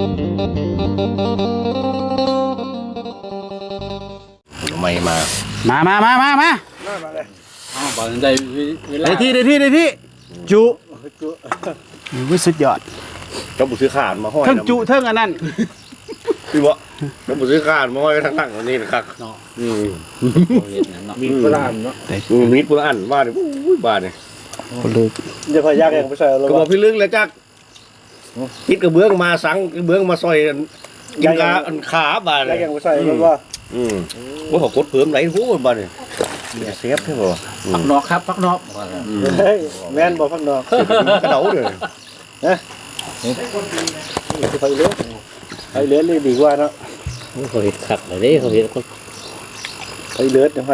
ไม่มาบอลได้เวลาได้ที่จุวิสุดยอดก็บุซื้อขาดมาห้อยเทิงจุเทิงอันนั้นพี่บ่ก็บุซื้อขาดมาห้อยทั้งหลังนี่นะครับมีปลาเนาะมีดปุระอันบ้านนี่บ้านนี่ลึกจะพยากยังไปใส่เราก็บอกพี่ลึกแล้วจักคิดกระเบื้องมาสังกระเบื้องมาซอยกินกาอันขาบ้านเลยยังไปใส่เราว่าว่าเขากดเพิ่มไหลหูบ้านนี่เซฟใช่ป่ะพักนอกครับพักนอกเฮ้ยแม่นบอกพักนอกกระเดาเลยไปเลือดเลยดีกว่าเนาะเขาเห็นขัดเลยเด้เขาเห็นคนไปเลือดยังไง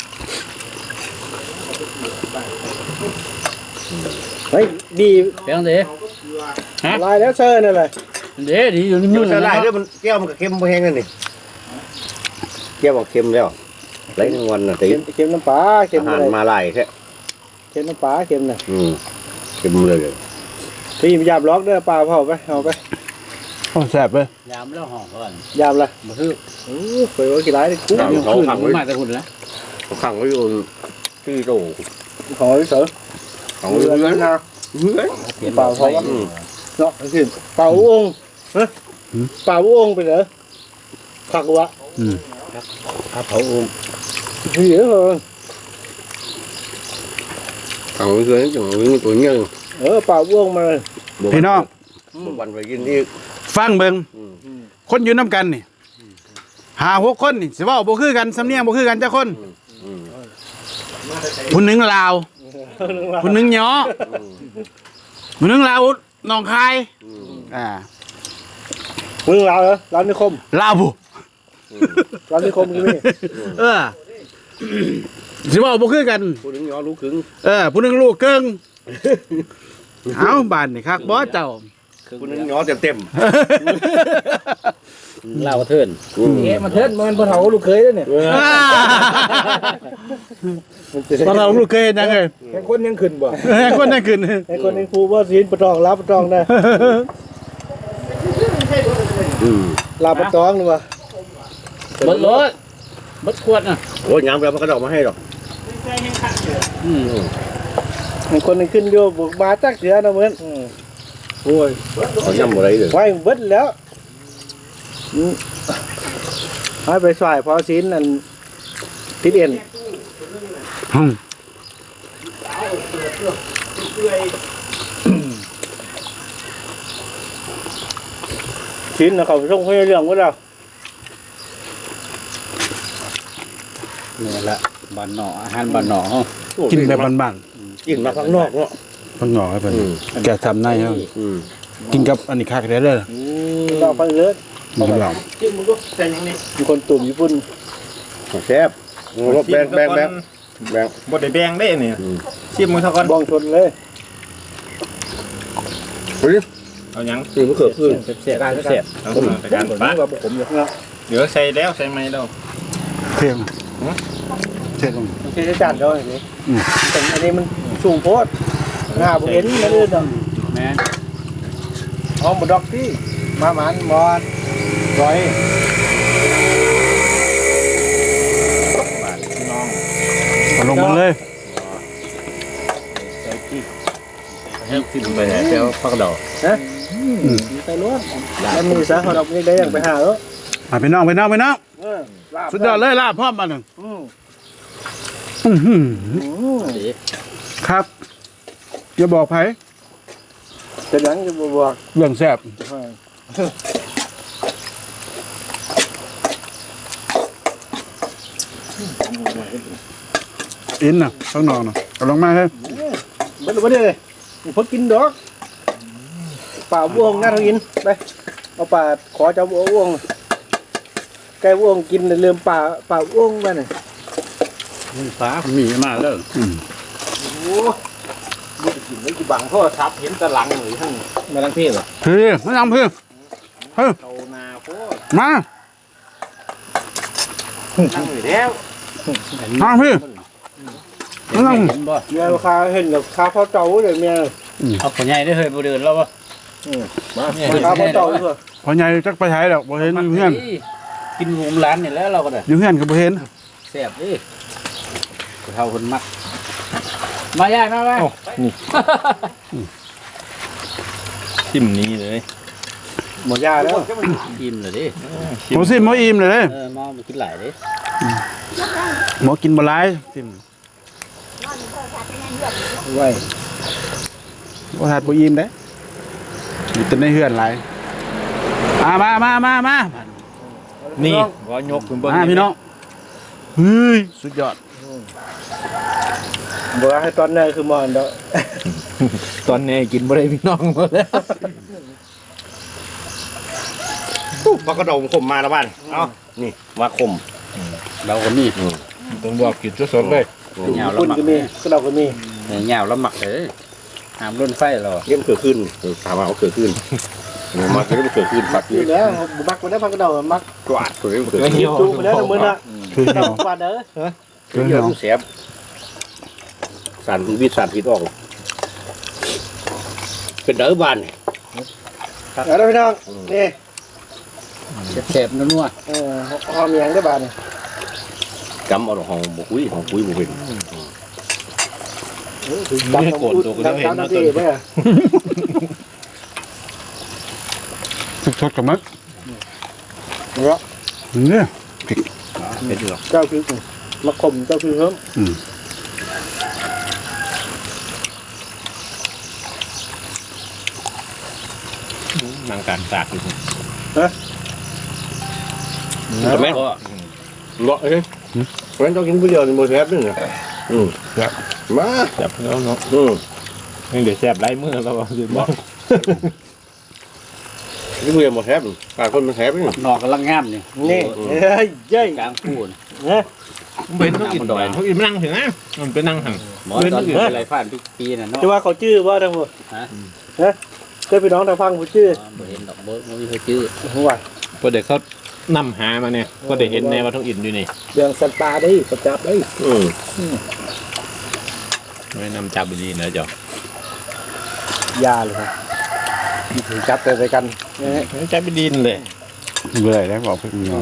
เฮ้ยดีเพียงเด้ฮะลายแล้วเซอร์นั่นแหละเด้ดีอยู่นิ่ยุ่มงๆจะนะไล่ด้วยมันแก้วมันก็เค็มแห้งนั่นนี่แก้วบอกเค็มแล้วไหลทั้งวันน่ะตีเค็มน้ำปลาเค็มอาอะหารไรมาไล่แค่เค็มน้ำปลาเค็มน่ะเค็มเลยพี่ยามล็อกเด้อปลาเผาไปเอาไปแซ่บเลยยามแล้วห่อก่อนยามละมาคือไปว่ากี่ร้ายเลยกุ้งเขาขังไว้มาแต่หุ่นนะเขาขังไว้อยู่ที่โตของพี่เสือขังไว้อยู่นั้นนะเปล่าเผาเนาะคือเปล่าองค์ฮะเปล่าองค์ไปเหรอผักวะถ้าเผาอุ้มพี่เหรอขังไว้อยู่นั้นจังวิ่งตัวเงี้ยเปล่าองค์มาพี่น้องวันไปกินที่ฟังเบิ่งคนอยู่น้ำกันนี่5-6คนนี่สิเว้าบ่คือกันสำเนียงบ่คือกันจักคนผู้หนึงลาวผู้หนึงหยอผู้หนึงลาวหนองคายมึงเราเหรอร้านนิคมลาวบุร้านนิคมนี่สิเว้าบ่คือกันผู้นึงย้อนรู้ขึงผู้หนึงลูกเกิงเอาบ้านนี่คักบ่เจ้าผู้นึงย้อนเต็มเล่าเทินเอ๊ะมันเทิดมันบนเขาลูกเคยด้วยเนี่ยตอนเราลูกเคยยังไงไอ้คนยังขึ้นบ่คนนั่นขึ้นไอ้คนยังฟูว่าศีลประตองรับประตองได้ลาประตองหรือวะบดรถบดขวดน่ะโอ้ยยามเรามันกระดอกมาให้หรอกไอ้คนยังขึ้นอยู่บุกมาจักเสือนะเหมือนโอ้ยเขาย่ำอะไรเลยไว้เบิดแล้วให้ไปสายพอศีลนั่นทิศเอ็นศีลนะเขาส่งให้เรื่องว่าเรานี่แหละบ้านหนออาหารบ้านหนอกินแบบบ้านกินมาข้างนอกเนาะๆมันหงอกให้เพิ่นแกทำได้ครับกินกับอันนี้คักได้เลยเราฟังเลิศมันก็ลองมีคนตุ่มญี่ปุ่นแซ่บแบ่งบบ่ได้แบ่งได้เนี่ยชิมมือเท่ากันบองชนเลยเฮ้ยเอายังตื่นเมื่อคืนเสียการเสียเอาไปการบ้านผมอยู่นะเดี๋ยวใส่แล้วใส่ไหมแล้วเค็มเช็ดลงไม่ใช่จานเดียวอย่างนี้แต่อันนี้มันสูงโพดหน้าผมเห็นนั่นเลยดอกแม่ห้องบดอกที่มาหมานมอดร้อยเอาลงมาเลยให้กินไปเดี๋ยวพักดอกนะใส่ล้วนแล้วมีสาขาดอกนี้ได้อย่างไปหาแล้วไปน้องสุดยอดเลยลาบพร้อมมาหนึ่งครับอย่าบอกไผจะยังจะบอกเรื่องแซ่บอินน่ะข้างนอกน่ะเอาลงมาเลยไม่รู้ว่าเนี่ยพดกินดอกป่าบ่วงน่าทกินไปเอาป่าขอเจ้าบ่วงไก่บ่วงกินเริ่มป่าบ่วงไปเนี่ยฟ้ามีมาแล้วโอ้ยกินไม่กี่บังโทษครับเห็นตะลังหรือทั้งมาลังพี่เหรอพี่ไม่ทำพี่เฮ้ยเตานาโคตรมานั่งอยู่แล้วทำพี่เห็นบ่เมียราคาเห็นกับข้าวเจ้าเลยเมียเอาคนใหญ่ได้เคยบ่เดินแล้วบ่มาข้าวบนโต๊ะด้วยพอใหญ่จักไปใช้แล้วบ่เห็นอยู่เฮือนกินหมูร้านนี่แล้วเราก็ได้อยู่เฮือนก็บ่เห็นแซ่บดิเท่าคนมักมาย่ายมาไปชิมนี้เลยหมดยาแล้วอิ่มเลยดิบ่สิบ่อิ่มเลยเด้มากินหลายดิบ่กินบ่หลายสิไว้บ่ทัดบ่อิ่มเด้อยู่แต่ในเฮือนหลายมานี่ว่ายกขึ้นเบิ้งพี่น้องเฮ้ยสุดยอดบอกให้ตอนนี้คือมอนเด้อตอนนี้กินบ่ได้พี่น้องหมดแล้วปลากระดงขมมาแล้วบ้านเอานี่มาขมเราก็มีต้องบอกกินสดๆเลยเหงาแล้วคุณหมักก็มีก็เราก็มีเหงาแล้วหมักเลยหามรุ่นไฟเราเยี่ยมเกิดขึ้นถามว่าเอาเกิดขึ้นมาเกิดเกิดขึ้นปักอยู่แล้วบุมักมันได้พักกระเดามักกวาดตัวนี้เกิดขึ้นจูไปแล้วแต่มื้อน่ะคือเราเหี่ยวบาดเด้อคือเยอะลูกเสียบสารวิสารพิษออกเป็นเด้อบ้านแล้วพี่น้องนี่แซ่บๆนัวหอมยังได้บาดนี่จำเอาห้องบุคุยห้องคุยบุเป็นไม่โกรธตัวก็เห็นนะตัวเด้อสดๆกับมักเนาะเนี่ยเป็นหรอกเจ้าคือมาข่มเจ้าคือเฮิมนางการตากอยู่ใช่ไหมเลาะเอ้ยเพราะฉะนั้นต้องกินผู้เดียวในโมเสสนี่ไงมาแซ่บแล้วเนาะยังเดี๋ยวแซ่บไร้มือแล้วเดี๋ยวบอกกินผู้เดียวโมเสสปากคนมันแสบนี่นอกกำลังงามนี่นี่เฮ้ยเย้ยกลางปูนเป็นต้องกินดอยเขากินนั่งถึงนะมันเป็นนั่งหังหมอตอนเป็นไรผ่านทุกปีน่ะเนาะจะว่าเขาชื่อว่าทั้งหมดฮะเคยพี่น้องทางฟังเขาชื่อบ่เห็นดอกเบิกบ่มีเขาชื่อหัวพอเด็กเขานำหามาเนี่ยก็ได้เห็นแน่ว่าท้องอินอยู่นี่เรื่องสัตว์ป่าได้ประจับได้ไม่นำจับดีนะจ๊ะยาเลยครับถือจับไปกันจับไปดินเลยเบื่อแล้วบอกพี่น้อง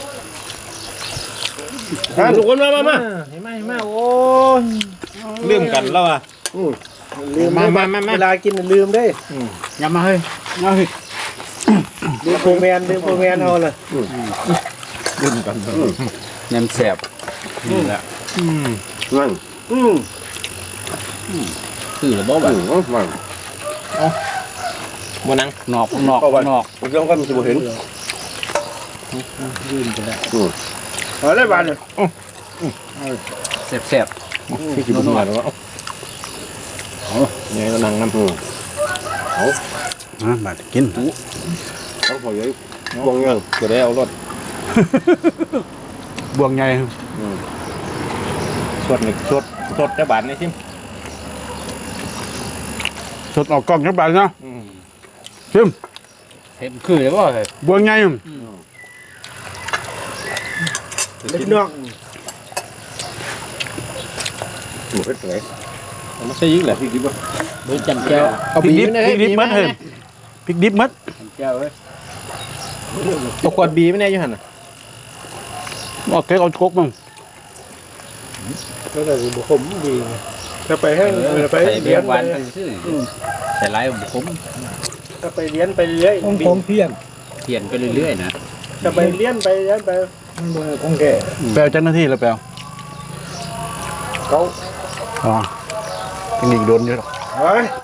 ทุกคนมาเห็นไหมโอ้ลืมกันแล้วอ่ะลืมมาเวลากินลืมได้อย่ามาเฮ้ยมาเฮ้ยลืมโฟร์แมนเอาเลยลืมกันแหนมแซ่บนี่แหละนั่นคือบ่ว่ามันมานั่งนอกมันผมต้องก็มีสิบเห็นเอาเลยบาดเลยแซ่บพี่กินมาแล้วเนี่ยก็นั่งน้ำมากินต้องพอเยอะวงเงินก็ได้เอารถบวงใหญ่สดหนึ่งสดจะบาทนี่ซิมสดออกกล้องจักบาทเนาะชิมเห็นคือเลยบ่เฮ้ยบวงใหญ่พี่น้องหมูเพชรไหนไม่ใช่ยิ่งแหละพี่คิดว่าเบิ่งจำแก้วพริกดิบพริกดิบมัดเฮ้ยพริกดิบมัดแก้วเว้ยตัวขวดบีไม่แน่อยู่หันอ่ะเอาเก๊กเอาโคกมั่งก็เลยบุคมดีถ้าไปให้ไปใส่เบีเลี้ยยงนหวานซื่อใส่หลายบ่ขมถ้าไปเลี้ยนไปเรื่อยผมเพี้ยนไปเรื่อยๆนะถ้าไปเลี้ยนไปคงแก่แปลเจ้าหน้าที่แล้วแปลเขาอ๋อเทคนิคโดนเยอะหรอกเฮ้ย